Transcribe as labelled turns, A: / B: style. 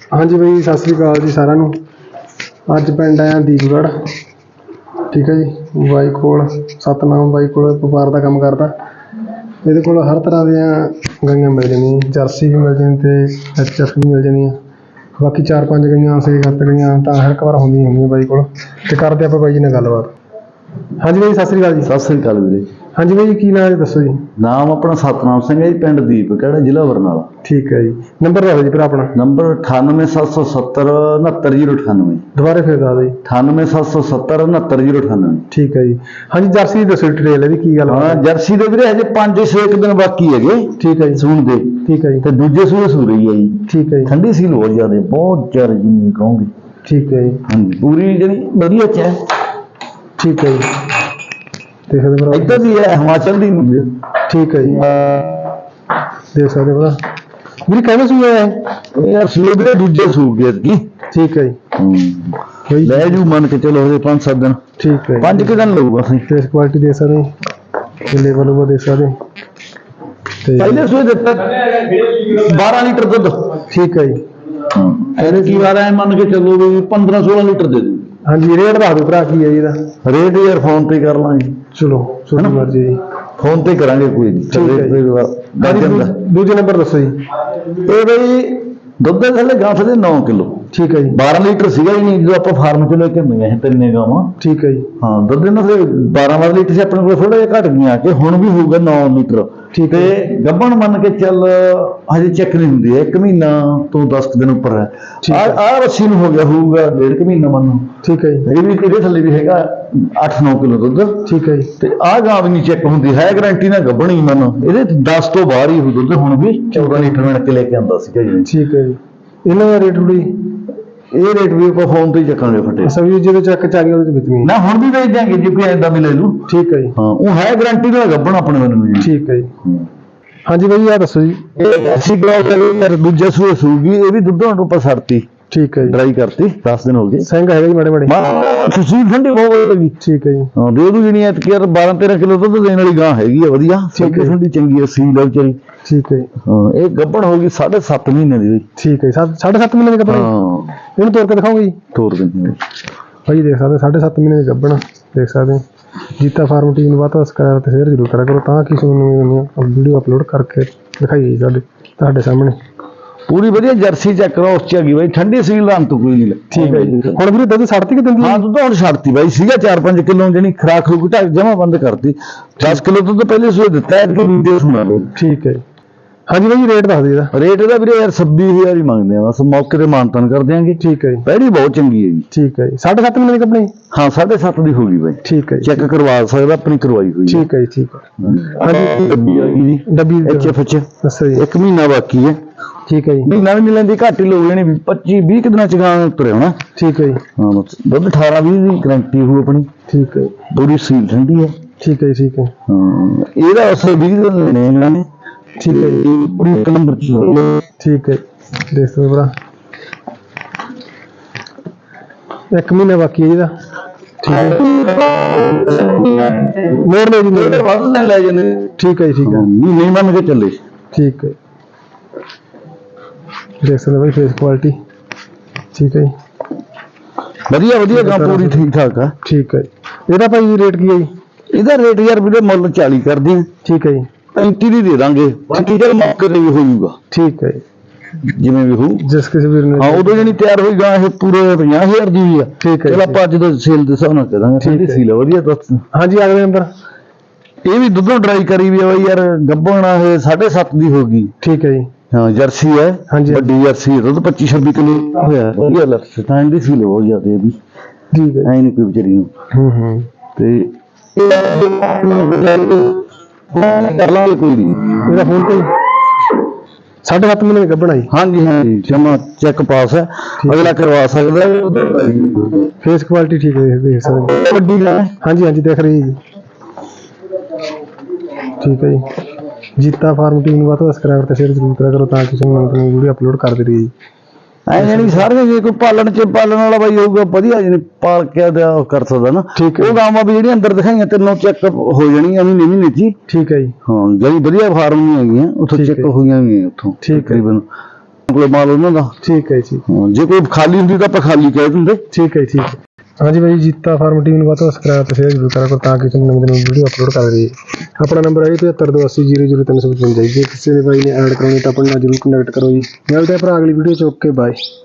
A: हाँ जी भाई सत श्री अकाल जी सारिਆਂ ਨੂੰ। ਅੱਜ ਪਿੰਡ ਆਇਆ ਦੀਪਗੜ੍ਹ, ठीक है जी। बाई कोल सतनाम बाई कोल व्यापार का काम करता। ਇਹਦੇ ਕੋਲ हर तरह ਦੀਆਂ ਗਾਈਆਂ ਮਿਲ ਜਾਂਦੀਆਂ, जर्सी भी मिल जानी ਤੇ HF भी मिल ਜਾਂਦੀਆਂ। बाकी 4-5 ਗਾਈਆਂ 6-7 ਗਾਈਆਂ ਤਾਂ ਹਰ ਇੱਕ ਵਾਰ ਹੁੰਦੀਆਂ ਬਾਈ ਕੋਲ। ਤੇ ਕਰਦੇ ਆਪਾਂ ਬਾਈ ਜੀ ਨਾਲ ਗੱਲਬਾਤ। ਹਾਂਜੀ ਬਾਈ ਸਤਿ ਸ੍ਰੀ ਅਕਾਲ ਜੀ।
B: ਸਤਿ ਸ੍ਰੀ ਅਕਾਲ ਵੀਰੇ।
A: ਹਾਂਜੀ ਬਾਈ ਜੀ ਕੀ ਨਾਮ ਹੈ ਦੱਸੋ ਜੀ।
B: ਨਾਮ ਆਪਣਾ ਸਤਨਾਮ ਸਿੰਘ ਹੈ ਜੀ, ਪਿੰਡ ਦੀਪਗੜ੍ਹ, ਜ਼ਿਲ੍ਹਾ ਬਰਨਾਲਾ।
A: ਠੀਕ ਹੈ ਜੀ। ਨੰਬਰ ਦੱਸੋ ਜੀ ਫਿਰ ਆਪਣਾ।
B: ਨੰਬਰ 98770 69098।
A: ਦੁਬਾਰੇ ਫਿਰ ਦੱਸ ਦਿਓ ਜੀ।
B: 98770 69098।
A: ਠੀਕ ਹੈ ਜੀ। ਹਾਂਜੀ ਜਰਸੀ ਦੀ ਦੱਸੋ ਡਿਟੇਲ ਇਹਦੀ ਕੀ ਗੱਲ
B: ਹਾਂ ਜਰਸੀ ਦੇ ਵੀਰੇ ਹਜੇ 5-6 ਦਿਨ ਬਾਕੀ ਹੈਗੇ।
A: ਠੀਕ ਹੈ ਜੀ।
B: ਸੂਣ ਦੇ।
A: ਠੀਕ ਹੈ ਜੀ।
B: ਤੇ ਦੂਜੇ ਸੂਏ ਸੂ ਰਹੀ ਹੈ ਜੀ।
A: ਠੀਕ ਹੈ ਜੀ।
B: ਠੰਡੀ ਸੀਲ ਬਹੁਤ ਜ਼ਿਆਦਾ, ਬਹੁਤ ਜ਼ਿਆਦਾ ਜਿੰਨੀ ਕਹੋਗੇ।
A: ਠੀਕ ਹੈ ਜੀ।
B: ਹਾਂਜੀ ਪੂਰੀ ਜਿਹੜੀ ਵਧੀਆ ਚ ਹੈ। ਠੀਕ
A: ਹੈ ਜੀ। ਦੇਖ ਸਕਦੇ ਭਰਾ
B: ਇੱਧਰ ਦੀ ਹੈ, ਹਿਮਾਚਲ ਦੀ ਨਹੀਂ।
A: ਠੀਕ ਹੈ ਜੀ। ਦੇਖ ਸਕਦੇ ਭਰਾ ਵੀਰੇ ਕਹਿੰਦੇ ਸੂਆ ਹੈ
B: ਯਾਰ ਸੂਏ ਵੀਰੇ ਦੂਜੇ ਸੂ ਗਏ ਕੀ।
A: ਠੀਕ ਹੈ ਜੀ।
B: ਲੈ ਜੂ ਮੰਨ ਕੇ ਚਲੋ ਹਜੇ 5-7 ਦਿਨ।
A: ਠੀਕ ਹੈ।
B: 5 ਦਿਨ ਲਊਗਾ ਅਸੀਂ।
A: ਫੇਸ ਕੁਆਲਿਟੀ ਦੇਖ ਸਕਦੇ ਹੋ, ਲੇਵਲ ਉਹ ਦੇਖ ਸਕਦੇ ਤੇ
B: ਪਹਿਲੇ ਸੂਏ ਦਿੱਤਾ 12 ਲੀਟਰ ਦੁੱਧ।
A: ਠੀਕ ਹੈ ਜੀ।
B: ਇਹਨੇ ਕੀ ਵਾਰ ਐ ਮੰਨ ਕੇ ਚੱਲੋ ਵੀ 15-16 ਲੀਟਰ ਦੇ ਦੂ।
A: ਹਾਂਜੀ ਰੇਟ ਦੱਸ ਦਿਓ ਭਰਾ ਕੀ ਹੈ ਜੀ ਇਹਦਾ।
B: ਰੇਟ ਯਾਰ ਫੋਨ ਤੇ ਕਰ ਲਾਂਗੇ।
A: ਚਲੋ ਤੁਹਾਡੀ ਮਰਜ਼ੀ ਜੀ।
B: ਫੋਨ ਤੇ ਕਰਾਂਗੇ ਕੋਈ ਨਹੀਂ।
A: ਦੂਜੇ ਨੰਬਰ ਦੱਸੋ ਜੀ।
B: ਇਹ ਬਈ ਦੁੱਧ ਦੇ ਥੱਲੇ ਗਾਂ ਦੇ 9 ਕਿਲੋ।
A: ਠੀਕ ਹੈ ਜੀ।
B: 12 ਲੀਟਰ ਸੀਗਾ ਹੀ ਨਹੀਂ ਜਦੋਂ ਆਪਾਂ ਫਾਰਮ ਚ ਲੈ ਕੇ ਆਉਂਦੇ ਸੀ ਤਿੰਨੇ ਗਾਵਾਂ।
A: ਠੀਕ ਹੈ ਜੀ।
B: ਹਾਂ ਦੁੱਧ ਇਹਨਾਂ ਦੇ 12 ਲੀਟਰ ਸੀ ਆਪਣੇ ਕੋਲ, ਥੋੜਾ ਜਿਹਾ ਘਟ ਗਿਆ ਕਿ ਹੁਣ ਵੀ ਹੋਊਗਾ 9 ਲੀਟਰ।
A: ਠੀਕ
B: ਤੇ ਗੱਭਣ ਮੰਨ ਕੇ ਚੱਲ ਹਜੇ ਚੈੱਕ ਨਹੀਂ ਹੁੰਦੀ ਹੈ, 1 ਮਹੀਨਾ ਤੋਂ 10 ਦਿਨ ਉੱਪਰ ਹੈ। ਆਹ ਰੱਸੀ ਨੂੰ ਹੋ ਗਿਆ ਹੋਊਗਾ 1.5 ਮਹੀਨਾ ਮੰਨੋ।
A: ਠੀਕ ਹੈ ਜੀ।
B: ਇਹ ਵੀ ਇਹਦੇ ਥੱਲੇ ਵੀ ਹੈਗਾ 8-9 ਕਿਲੋ ਦੁੱਧ।
A: ਠੀਕ ਹੈ ਜੀ।
B: ਤੇ ਆਹ ਗਾਂ ਵੀ ਨਹੀਂ ਚੈੱਕ ਹੁੰਦੀ ਹੈ, ਗਰੰਟੀ ਨਾਲ ਗੱਭਣੀ ਮੰਨੋ। ਇਹਦੇ 10 ਤੋਂ ਬਾਹਰ ਹੀ ਹੋ ਦੁੱਧ, ਹੁਣ ਵੀ 14 ਲੀਟਰ ਮਿਣ ਕੇ ਲੈ ਕੇ ਆਉਂਦਾ ਸੀਗਾ ਜੀ।
A: ਠੀਕ ਹੈ ਜੀ। ਇਹਨਾਂ ਦਾ ਰੇਟ ਵੀ
B: ਇਹ ਰੇਟ ਵੀ ਆਪਾਂ ਫੋਨ ਤੇ ਹੀ ਚੱਕਾਂਗੇ ਫਟੇ।
A: ਸਭੀ ਜਿਹਦੇ ਚੱਕ ਚ ਆ ਗਿਆ ਉਹਦੇ ਵਿੱਚ ਵੀ
B: ਨਾ ਹੁਣ ਵੀ ਵੇਚ ਦਿਆਂਗੇ ਜੇ ਕੋਈ ਐਦਾਂ ਵੀ ਲੈ ਲੂ।
A: ਠੀਕ ਹੈ ਜੀ।
B: ਹਾਂ ਉਹ ਹੈ ਗਰੰਟੀ ਨਾਲ ਗੱਭਣ ਆਪਣੇ ਮੈਨੂੰ ਜੀ।
A: ਠੀਕ ਹੈ ਜੀ। ਹਾਂਜੀ ਬਾਈ ਆਹ ਦੱਸੋ ਜੀ।
B: ਇਹ ਐਸੀ ਬਲੌਕ ਯਾਰ ਦੂਜੇ ਸੂਏ ਸੂਗੀ, ਇਹ ਵੀ ਦੁੱਧ ਹੁਣ ਆਪਾਂ ਛੱਡਤੀ। ਠੀਕ ਹੈ ਜੀ। ਡਰਾਈ ਕਰਤੀ 10 ਦਿਨ ਹੋ ਗਏ।
A: ਸਿੰਘ ਹੈਗਾ ਜੀ ਮਾੜੇ ਮਾੜੇ।
B: ਤੁਸੀਂ ਠੰਡੀ ਬਹੁਤ ਲੱਗੀ।
A: ਠੀਕ ਹੈ ਜੀ।
B: ਹਾਂ ਦੇ ਦੂ ਜਿਹੜੀ ਐਤਕੀ ਯਾਰ 12-13 ਕਿਲੋ ਦੁੱਧ ਦੇਣ ਵਾਲੀ ਗਾਂ ਹੈਗੀ ਆ ਵਧੀਆ। ਠੰਡੀ ਚੰਗੀ ਆ, ਸੀਲ ਆ ਵਿਚਾਰੀ।
A: ਠੀਕ ਹੈ ਜੀ।
B: ਹਾਂ ਇਹ ਗੱਭਣ ਹੋ ਗਈ 7.5 ਮਹੀਨੇ ਦੀ। ਠੀਕ
A: ਹੈ 7.5 ਮਹੀਨੇ ਦੀ ਗੱਭਣ।
B: ਹਾਂ
A: ਇਹਨੂੰ ਤੋੜ ਕੇ ਦਿਖਾਓਗੇ ਜੀ।
B: ਤੋੜ ਦਿੰਦੇ
A: ਭਾਈ ਦੇਖ ਸਕਦੇ 7.5 ਮਹੀਨੇ ਦੀ ਗੱਭਣ ਦੇਖ ਸਕਦੇ। ਜੀਤਾ ਫਾਰਮ ਟੀਮ ਨੂੰ ਵੱਧ ਤੋਂ ਸਬਸਕ੍ਰਾਈਬ ਤੇ ਸ਼ੇਅਰ ਜ਼ਰੂਰ ਕਰਿਆ ਕਰੋ ਤਾਂ ਕਿ ਤੁਹਾਨੂੰ ਵੀਡੀਓ ਅਪਲੋਡ ਕਰਕੇ ਦਿਖਾਈਏ ਤੁਹਾਡੇ ਸਾਹਮਣੇ।
B: ਪੂਰੀ ਵਧੀਆ ਜਰਸੀ ਚੈੱਕ ਕਰੋ ਉਸ ਚ ਹੈਗੀ ਬਾਈ, ਠੰਡੀ ਸੀਲ ਦਾ ਅੰਤ ਕੋਈ ਨਹੀਂ।
A: ਠੀਕ ਹੈ ਜੀ। ਹੁਣ ਵੀਰੇ ਦੁੱਧ ਛੱਡਤੀ ਕਿ ਦਿੰਦੀ?
B: ਹਾਂ ਦੁੱਧ ਹੁਣ ਛੱਡਤੀ ਬਾਈ, ਸੀਗਾ 4-5 ਕਿਲੋ ਜਿਹੜੀ ਖਰਾਕ ਖਰੂਕ ਢੱਕ ਜਮਾ ਬੰਦ ਕਰਤੀ। 10 ਕਿਲੋ ਦੁੱਧ ਪਹਿਲੇ ਸੂਏ ਦਿੱਤਾ ਹੈ ਕਿ ਵੀਡੀਓ ਸੁਣਾ ਲਓ।
A: ਠੀਕ ਹੈ ਜੀ। ਹਾਂਜੀ ਬਾਈ ਰੇਟ ਦੱਸ ਦਿਓ ਇਹਦਾ।
B: ਰੇਟ ਇਹਦਾ ਵੀਰੇ ਯਾਰ 26,000 ਹੀ ਮੰਗਦੇ ਆ, ਬਸ ਮੌਕੇ ਤੇ ਮਾਨਤਾਨ ਕਰ ਦਿਆਂਗੇ। ਠੀਕ ਹੈ ਜੀ। ਪਹਿਲੀ ਬਹੁਤ ਚੰਗੀ ਹੈ ਜੀ। ਠੀਕ ਹੈ ਜੀ। 7.5 ਮਹੀਨੇ ਦੀ ਕੱਪਣੀ। ਹਾਂ 7.5 ਦੀ ਹੋ ਗਈ ਬਾਈ। ਠੀਕ ਹੈ ਜੀ। ਚੈੱਕ ਕਰਵਾ ਸਕਦਾ, ਆਪਣੀ ਕਰਵਾਈ ਹੋਈ। ਠੀਕ ਹੈ ਜੀ। ਠੀਕ ਹੈ। ਹਾਂਜੀ ਡੱਬੀ ਆ ਗਈ ਜੀ। ਡੱਬੀ HF ਚ ਦੱਸੋ ਜੀ। 1 ਮਹੀਨਾ ਬਾਕੀ ਹੈ। ਠੀਕ ਹੈ ਜੀ। ਮਹੀਨਾ ਵੀ ਨਹੀਂ ਲੈਂਦੀ, ਘੱਟ ਹੀ ਲੋਕ ਜਾਣੀ 25-20 ਦਿਨਾਂ ਚ ਗਾਂ ਉੱਤਰ ਆਉਣਾ। ਠੀਕ ਹੈ ਜੀ। ਹਾਂ ਦੁੱਧ 18-20 ਦੀ ਗਰੰਟੀ ਹੋਊ ਆਪਣੀ। ਠੀਕ ਹੈ। ਪੂਰੀ ਸੀਲ ਠੰਡੀ ਹੈ। ਠੀਕ ਹੈ ਜੀ। ਠੀਕ ਹੈ। ਹਾਂ ਇਹਦਾ ਅਸਰ 20 ਦਿਨ ਲੈਣੇ ਇਹਨਾਂ ਨੇ। ਠੀਕ ਹੈ ਜੀ। ਪੂਰੀ 1 ਨੰਬਰ ਚ। ਠੀਕ ਹੈ ਦੇਖ ਸਕਦੇ ਭਰਾ 1 ਮਹੀਨਾ ਬਾਕੀ ਹੈ ਇਹਦਾ। ਠੀਕ ਹੈ ਮੋੜ ਲਓ ਜੀ। ਵੱਧ ਲੈ ਜਾਂਦੇ। ਠੀਕ ਹੈ ਜੀ। ਠੀਕ ਹੈ ਨਹੀਂ ਮੰਨ ਕੇ ਚੱਲੇ। ਠੀਕ ਹੈ ਦੇਖ ਸਕਦੇ ਬਾਈ ਫੇਸ ਕੁਆਲਿਟੀ। ਠੀਕ ਹੈ ਜੀ। ਵਧੀਆ ਵਧੀਆ ਗਾਂ ਪੂਰੀ ਠੀਕ ਠਾਕ ਆ। ਠੀਕ ਹੈ ਜੀ। ਇਹਦਾ ਭਾਈ ਰੇਟ ਕੀ ਹੈ ਜੀ? ਇਹਦਾ ਰੇਟ ਯਾਰ ਵੀਰੇ ਮੁੱਲ 40 ਕਰਦੇ ਆ। ਠੀਕ ਹੈ ਜੀ। 35 ਦੀ ਦੇ ਦਾਂਗੇ, ਬਾਕੀ ਚੱਲ ਮੌਕੇ ਤੇ ਵੀ ਹੋ ਜਾਊਗਾ। ਠੀਕ ਹੈ ਜੀ। ਜਿਵੇਂ ਵੀ ਹੋ ਜਿਸ ਕਿਸੇ ਵੀਰ ਨੇ। ਹਾਂ ਉਦੋਂ ਜਿਹੜੀ ਤਿਆਰ ਹੋਈ ਗਾਂ ਇਹ ਪੂਰੇ 50,000 ਦੀ ਵੀ ਆ। ਠੀਕ ਹੈ। ਚਲ ਆਪਾਂ ਅੱਜ ਦਾ ਸੇਲ ਦੇ ਹਿਸਾਬ ਨਾਲ ਕਰਾਂਗੇ। ਠੀਕ ਸੀਲ ਵਧੀਆ ਦੱਸ। ਹਾਂਜੀ ਅਗਲੇ ਨੰਬਰ ਇਹ ਵੀ ਦੁੱਧੋਂ ਡਰਾਈ ਕਰੀ ਵੀ ਆ ਬਾਈ ਯਾਰ, ਗੱਭਣ ਆ ਇਹ 7.5 ਦੀ ਹੋ ਗਈ। ਠੀਕ ਹੈ ਜੀ। ਹਾਂ ਜਰਸੀ ਹੈ। ਹਾਂਜੀ ਵੱਡੀ ਜਰਸੀ ਦੁੱਧ 25-26 ਕਿਲੋ ਹੋਇਆ। ਵਧੀਆ ਲੱਗ ਤਾਂ ਇਹਦੀ ਸੀਲ ਬਹੁਤ ਜ਼ਿਆਦਾ ਇਹ ਵੀ। ਠੀਕ ਹੈ। ਐ ਨਹੀਂ ਕੋਈ ਵਿਚਾਰੀ ਨੂੰ। ਤੇ ਕਰ ਲਾਂਗੇ ਕੋਈ ਨਹੀਂ। ਇਹਦਾ ਫੋਨ ਤੇ 7.5 ਮਹੀਨੇ ਦੀ ਗੱਭਣ ਆਈ। ਹਾਂਜੀ ਹਾਂਜੀ ਜਮਾ ਚੈੱਕ ਪਾਸ ਹੈ, ਅਗਲਾ ਕਰਵਾ ਸਕਦਾ। ਫੇਸ ਕੁਆਲਿਟੀ ਠੀਕ ਹੈ ਦੇਖ ਸਕਦੇ। ਵੱਡੀ ਹੈ। ਹਾਂਜੀ ਹਾਂਜੀ ਦੇਖ ਰਹੀ ਜੀ। ਠੀਕ ਹੈ ਜੀ। ਜੀਤਾ ਫਾਰਮ ਟੀਮ ਨੂੰ ਵੱਧ ਤੋਂ ਸਬਸਕ੍ਰਾਈਬ ਤੇ ਸ਼ੇਅਰ ਜ਼ਰੂਰ ਕਰਿਆ ਕਰੋ ਤਾਂ ਕਿ ਤੁਹਾਨੂੰ ਵੀਡੀਓ ਅਪਲੋਡ ਕਰਦੇ ਰਹੀਏ। ਐ ਜਾਨੀ ਸਾਰੇ ਜੇ ਕੋਈ ਪਾਲਣ ਵਾਲਾ ਬਾਈ ਹੋਊਗਾ ਵਧੀਆ ਜਿਹਨੇ ਪਾਲ ਕੇ ਕਰ ਸਕਦਾ ਨਾ। ਠੀਕ ਹੈ। ਉਹ ਗਾਵਾਂ ਵੀ ਜਿਹੜੀਆਂ ਅੰਦਰ ਦਿਖਾਈਆਂ ਤਿੰਨੋਂ ਚੈੱਕ ਹੋ ਜਾਣੀਆਂ ਮਹੀਨੇ ਚ। ਠੀਕ ਹੈ ਜੀ। ਹਾਂ ਜਿਹੜੀ ਵਧੀਆ ਫਾਰਮ ਨਹੀਂ ਹੈਗੀਆਂ ਉੱਥੋਂ ਚੈੱਕ ਹੋਈਆਂ ਵੀ ਉੱਥੋਂ ਤਕਰੀਬਨ ਕੋਲ ਮਾਲ ਉਹਨਾਂ ਦਾ।
A: ਠੀਕ ਹੈ ਜੀ।
B: ਜੇ ਕੋਈ ਖਾਲੀ ਹੁੰਦੀ ਤਾਂ ਆਪਾਂ ਖਾਲੀ ਕਹਿ ਦਿੰਦੇ।
A: ਠੀਕ ਹੈ ਠੀਕ ਹੈ। ਹਾਂਜੀ ਬਾਈ, ਜੀਤਾ ਫਾਰਮ ਟੀਮ ਨੂੰ ਵੱਧ ਤੋਂ ਸਬਸਕ੍ਰਾਈਬ ਤੇ ਸ਼ੇਅਰ ਜ਼ਰੂਰ ਕਰਿਆ ਕਰੋ ਤਾਂ ਕਿ ਤੁਹਾਨੂੰ ਨਵੀਂ ਵੀਡੀਓ ਅਪਲੋਡ ਕਰ ਦਈਏ। ਆਪਣਾ ਨੰਬਰ ਹੈ 7528800355 ਜੀ। ਜੇ ਕਿਸੇ ਦੇ ਬਾਈ ਨੇ ਐਡ ਕਰਾਉਣੀ ਤਾਂ ਆਪਣੇ ਨਾਲ ਜ਼ਰੂਰ ਕਨੈਕਟ ਕਰੋ ਜੀ। ਮਿਲਦੇ ਆ ਭਰਾ ਅਗਲੀ ਵੀਡੀਓ 'ਚ। Okay bye.